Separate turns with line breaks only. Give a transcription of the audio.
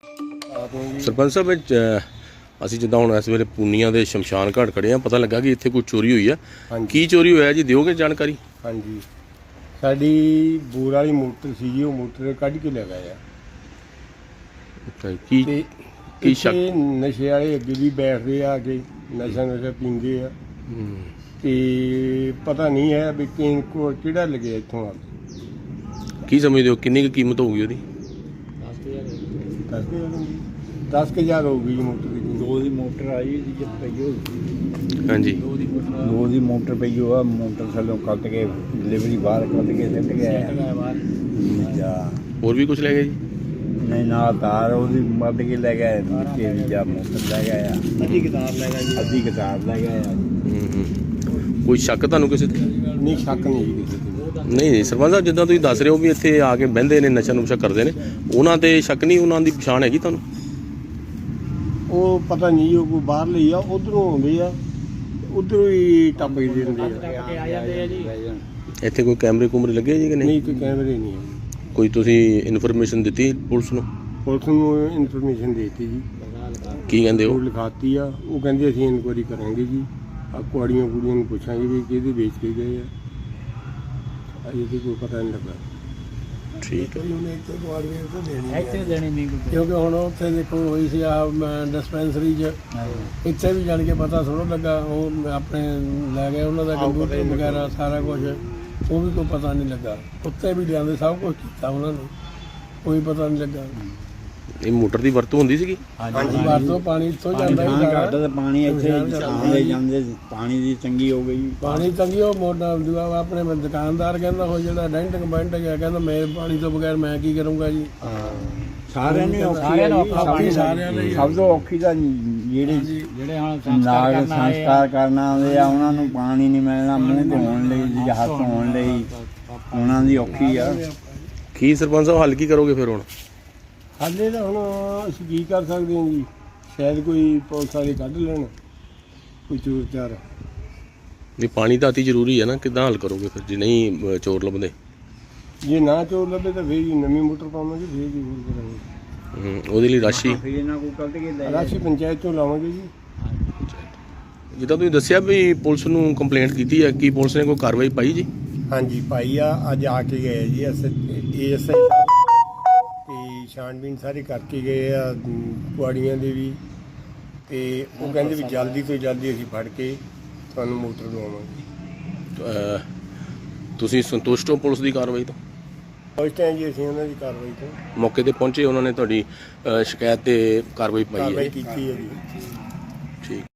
ਸਰਪੰਚ ਸਾਹਿਬ ਅਸੀਂ ਜਿੱਦਾਂ ਹੁਣ ਇਸ ਵੇਲੇ ਪੂਨੀਆਂ ਦੇ ਸ਼ਮਸ਼ਾਨ ਘਾਟ ਖੜੇ ਆ, ਪਤਾ ਲੱਗਾ ਕਿ ਇੱਥੇ ਕੋਈ ਚੋਰੀ ਹੋਈ ਆ। ਕੀ ਚੋਰੀ ਹੋਇਆ ਜੀ, ਦਿਓਗੇ ਜਾਣਕਾਰੀ?
ਹਾਂਜੀ, ਸਾਡੀ ਬੋਰ ਵਾਲੀ ਮੋਟਰ ਸੀ ਜੀ, ਉਹ ਮੋਟਰ ਕੱਢ ਕੇ ਲੈ ਗਏ ਆ। ਕੀ ਸ਼ੱਕ? ਨਸ਼ੇ ਵਾਲੇ ਅੱਗੇ ਵੀ ਬੈਠਦੇ ਆ ਕੇ ਨਸ਼ਾ ਪੀਂਦੇ ਆ ਤੇ ਪਤਾ ਨਹੀਂ ਹੈ ਵੀ ਕਿਹੜਾ ਲੱਗਿਆ ਇੱਥੋਂ ਆ ਕੇ।
ਕੀ ਸਮਝਦੇ ਹੋ ਕਿੰਨੀ ਕੁ ਕੀਮਤ ਹੋਊਗੀ ਉਹਦੀ?
10,000 ਹੋਊਗੀ ਜੀ ਮੋਟਰ ਦੀ।
ਦੋ ਦੀ ਮੋਟਰ ਆਈ ਸੀ ਜਦ ਪਈ ਹੋਈ।
ਹਾਂਜੀ,
ਦੋ ਦੀ ਮੋਟਰ ਪਈ ਹੋਆ, ਮੋਟਰ ਥੱਲੋਂ ਕੱਟ ਕੇ ਡਿਲੀਵਰੀ ਬਾਹਰ ਕੱਟ ਕੇ ਸਿੱਟ ਗਿਆ।
ਹੋਰ ਵੀ ਕੁਝ ਲੈ ਗਏ ਜੀ?
ਨਹੀਂ, ਨਾਲ ਤਾਰ ਉਹਦੀ ਵੱਢ ਕੇ ਲੈ ਗਏ, ਨੀਚੇ ਵੀ ਜਾ ਮੋਟਰ ਲੈ ਗਏ ਆ, ਅੱਧੀ ਕਿਤਾਬ ਲੈ ਗਏ ਜੀ, ਅੱਧੀ ਕਿਤਾਬ ਲੈ ਗਏ ਆ।
ਕੋਈ ਸ਼ੱਕ ਤੁਹਾਨੂੰ ਕਿਸੇ ਤੇ?
ਨਹੀਂ, ਸ਼ੱਕ ਨਹੀਂ ਜੀ ਕਿਸੇ ਤੇ।
ਨਹੀਂ ਸਰਪੰਚ ਸਾਹਿਬ, ਜਿੱਦਾਂ ਤੁਸੀਂ ਦੱਸ ਰਹੇ ਹੋ ਵੀ ਇੱਥੇ ਆ ਕੇ ਬਹਿੰਦੇ ਨੇ, ਨਸ਼ਾ ਨੁਸ਼ਾ ਕਰਦੇ ਨੇ, ਉਹਨਾਂ ਤੇ ਸ਼ੱਕ ਨਹੀਂ? ਉਹਨਾਂ ਦੀ ਪਛਾਣ ਹੈਗੀ ਤੁਹਾਨੂੰ?
ਉਹ ਪਤਾ ਨਹੀਂ, ਉਹ ਕੋਈ ਬਾਹਰ ਲਈ ਆ, ਉਧਰੋਂ ਆਉਂਦੇ ਆ, ਉਧਰੋਂ ਹੀ ਟੱਪ ਕੇ ਦਿੰਦੇ ਆ।
ਇੱਥੇ ਕੋਈ ਕੈਮਰੇ ਕੁਮਰੇ ਲੱਗੇ ਜੀ ਕਿ ਨਹੀਂ?
ਨਹੀਂ, ਕੋਈ ਕੈਮਰੇ ਨਹੀਂ ਹੈ।
ਕੋਈ ਤੁਸੀਂ ਇਨਫੋਰਮੇਸ਼ਨ ਦਿੱਤੀ ਪੁਲਿਸ ਨੂੰ?
ਪੁਲਿਸ ਨੂੰ ਇਨਫੋਰਮੇਸ਼ਨ ਦੇਤੀ ਜੀ।
ਕੀ ਕਹਿੰਦੇ
ਉਹ
ਹੋ?
ਲਿਖਾਤੀ ਆ, ਉਹ ਕਹਿੰਦੇ ਅਸੀਂ ਇਨਕੁਆਇਰੀ ਕਰਾਂਗੇ ਜੀ, ਆ ਕੁੜੀਆਂ ਨੂੰ ਪੁੱਛਾਂਗੇ ਵੀ ਕਿਹਦੇ ਵੇਚ ਕੇ ਗਏ ਆ। ਅਜੇ ਤੇ ਕੋਈ ਪਤਾ ਨਹੀਂ ਲੱਗਾ।
ਠੀਕ ਹੈ।
ਇੱਥੇ ਦੇਣੀ ਨਹੀਂ ਕਿਉਂਕਿ ਹੁਣ ਉੱਥੇ ਦੇਖੋ ਹੋਈ ਸੀ ਆ ਡਿਸਪੈਂਸਰੀ 'ਚ, ਇੱਥੇ ਵੀ ਜਾਣ ਕੇ ਪਤਾ ਥੋੜ੍ਹਾ ਲੱਗਾ। ਉਹ ਆਪਣੇ ਲੈ ਗਏ ਉਹਨਾਂ ਦਾ ਕੰਪਿਊਟਰ ਵਗੈਰਾ ਸਾਰਾ ਕੁਝ, ਉਹ ਵੀ ਕੋਈ ਪਤਾ ਨਹੀਂ ਲੱਗਾ। ਉੱਤੇ ਵੀ ਲਿਆਂਦੇ, ਸਭ ਕੁਝ ਕੀਤਾ ਉਹਨਾਂ ਨੇ, ਕੋਈ ਪਤਾ ਨਹੀਂ ਲੱਗਾ।
ਇਹ ਮੋਟਰ ਦੀ ਵਰਤੋਂ ਹੁੰਦੀ ਸੀਗੀ?
ਹਾਂਜੀ,
ਵਰਤੋਂ ਪਾਣੀ ਇੱਥੋਂ ਜਾਂਦਾ ਹੀ
ਘੱਟ ਤੇ ਪਾਣੀ ਇੱਥੇ ਆਉਂਦੇ ਜਾਂਦੇ, ਪਾਣੀ ਦੀ ਤੰਗੀ ਹੋ ਗਈ।
ਪਾਣੀ ਤੰਗੀ। ਉਹ ਮੋਟਰ ਦੂਆ ਆਪਣੇ ਦੁਕਾਨਦਾਰ ਕਹਿੰਦਾ ਉਹ ਜਿਹੜਾ ਡੈਂਟਿੰਗ ਬੈਂਟ ਗਿਆ, ਕਹਿੰਦਾ ਮੈਂ ਪਾਣੀ ਤੋਂ ਬਗੈਰ ਮੈਂ ਕੀ ਕਰੂੰਗਾ ਜੀ।
ਸਾਰਿਆਂ ਨੇ ਔਖੀ, ਸਭ ਤੋਂ ਔਖੀ ਤਾਂ ਜਿਹੜੇ ਹੁਣ ਸੰਸਕਾਰ ਕਰਨਾ ਆਉਂਦੇ ਆ, ਉਹਨਾਂ ਨੂੰ ਪਾਣੀ ਨਹੀਂ ਮਿਲਣਾ ਮੂੰਹ ਧੋਣ ਲਈ ਜਾਂ ਹੱਥ ਧੋਣ ਲਈ, ਉਹਨਾਂ ਦੀ ਔਖੀ ਆ।
ਕੀ ਸਰਪੰਚ ਸਾਹਿਬ ਹੱਲ ਕੀ ਕਰੋਗੇ ਫਿਰ ਹੁਣ?
ਹਾਲੇ ਤਾਂ ਹੁਣ ਅਸੀਂ ਕੀ ਕਰ ਸਕਦੇ ਹਾਂ ਜੀ, ਸ਼ਾਇਦ ਕੋਈ ਪੁਲਿਸ ਵਾਲੇ ਕੱਢ ਲੈਣ, ਕੋਈ ਚੋਰ ਚਾਰ।
ਵੀ ਪਾਣੀ ਤਾਂ ਅਤੀ ਜ਼ਰੂਰੀ ਹੈ ਨਾ, ਕਿੱਦਾਂ ਹੱਲ ਕਰੋਗੇ ਫਿਰ ਜੇ ਨਹੀਂ ਚੋਰ ਲੱਭਦੇ?
ਜੇ ਨਾ ਚੋਰ ਲੱਭੇ ਤਾਂ ਫੇਰ ਹੀ ਨਵੀਂ ਮੋਟਰ ਪਾਵਾਂਗੇ, ਫੇਰ ਹੀ ਹੋਰ ਕਰਾਂਗੇ।
ਉਹਦੇ ਲਈ ਰਾਸ਼ੀ
ਰਾਸ਼ੀ ਪੰਚਾਇਤ ਤੋਂ ਲਾਵਾਂਗੇ ਜੀ।
ਜਿੱਦਾਂ ਤੁਸੀਂ ਦੱਸਿਆ ਵੀ ਪੁਲਿਸ ਨੂੰ ਕੰਪਲੇਂਟ ਕੀਤੀ ਹੈ, ਕੀ ਪੁਲਿਸ ਨੇ ਕੋਈ ਕਾਰਵਾਈ ਪਾਈ ਜੀ?
ਹਾਂਜੀ, ਪਾਈ ਆ। ਅੱਜ ਆ ਕੇ ਗਏ ਜੀ ASI ਤੇ ਛਾਣਬੀਨ ਸਾਰੇ ਕਰਕੇ ਗਏ ਆ ਕੁਆੜੀਆਂ ਦੇ ਵੀ, ਤੇ ਉਹ ਕਹਿੰਦੇ ਵੀ ਜਲਦੀ ਤੋਂ ਜਲਦੀ ਅਸੀਂ ਫੜ ਕੇ ਤੁਹਾਨੂੰ ਮੋਟਰ ਦਵਾਵਾਂਗੇ।
ਤੁਸੀਂ ਸੰਤੁਸ਼ਟ ਹੋ ਪੁਲਿਸ ਦੀ ਕਾਰਵਾਈ ਤੋਂ?
ਉਸ ਟਾਈਮ ਜੀ ਅਸੀਂ ਉਹਨਾਂ ਦੀ ਕਾਰਵਾਈ ਤੋਂ
ਮੌਕੇ ਤੇ ਪਹੁੰਚੇ, ਉਹਨਾਂ ਨੇ ਤੁਹਾਡੀ ਸ਼ਿਕਾਇਤ ਤੇ ਕਾਰਵਾਈ ਪਾਈ ਹੈ?
ਕਾਰਵਾਈ ਕੀਤੀ ਹੈ ਜੀ।
ਠੀਕ।